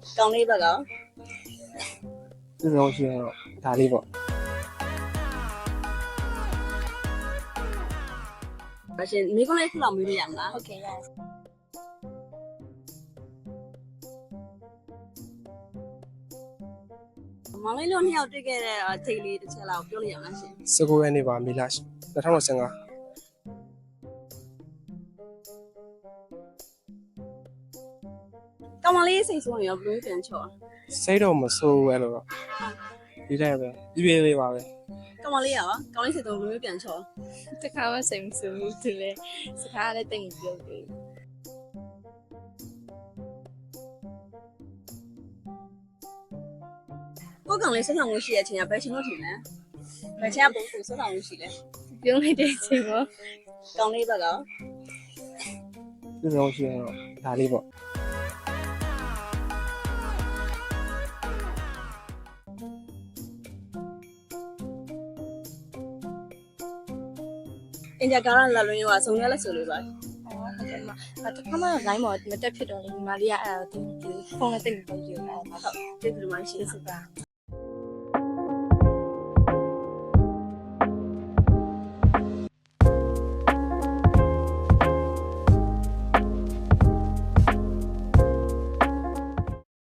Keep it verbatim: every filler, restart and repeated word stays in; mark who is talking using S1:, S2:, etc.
S1: ကောင်းလေးဘက်က
S2: သူ့ဆုံးရှိရင်တော့ဒါလေးပေါ့
S1: ဘာရှင်မိကုန်းလေးခုလောက်မေးလို့ရမလား
S3: ဟုတ်ကဲ့ရ
S1: မောင်လေးတို့နှစ်ယောက်တွေ့ခဲ့တဲ့ထိတ်လေးတစ်ချက်လောက်ပြောလို့ရမလားရှင်
S2: စကူရဲနေပါမေလာ၂၀၁၅
S1: ကောင်းမလေးစိတ်ဆိုးရင်ရောဘယ်လိုပြန်ချော်
S2: စိတ်တော့မဆိုးဘူးအဲ့လိုတော့ဒီတိုင်းပဲပြပြလေးပါပဲ
S1: ကောင်းမလေးရောကောင်းလေးစိတ်ဆိုးဘယ်လိုပြန်ချော်
S3: တခါမှစိတ်မဆိုးဘူးသူလည်းစကားလည်းတိတ်မပြောဘူး
S1: ကိုကောင်လေးဆက်ဆောင်မှုရှိတဲ့အချိန်ကဘယ်ချိန်လို့ထင်လဲဘယ်ချိန်ကပုံစံဆက်ဆောင်မှုရှိလဲ
S3: ပြုံးလိုက်တဲ့အချိန်ပေါ့
S1: ကောင်းလေးဘက်က
S2: သူ့ဆုံးရှိရင်တော့ဒါလေးပေါ့
S1: အင်ဂျာကာရလာလွင်းရောဆုံရလက်ဆိုလို့ပါ
S3: ဟုတ်ကဲ့မတခါမှ line ပေါ်မတက်ဖြစ်တော့လေညီမလေးကအဲ့ဒါကိုဖုန်းနဲ့တိတ်မပြောဘူးအဲ့ဒါ
S1: ဟုတ်ကျေးဇူးတင်ပါရှင်
S3: စပါ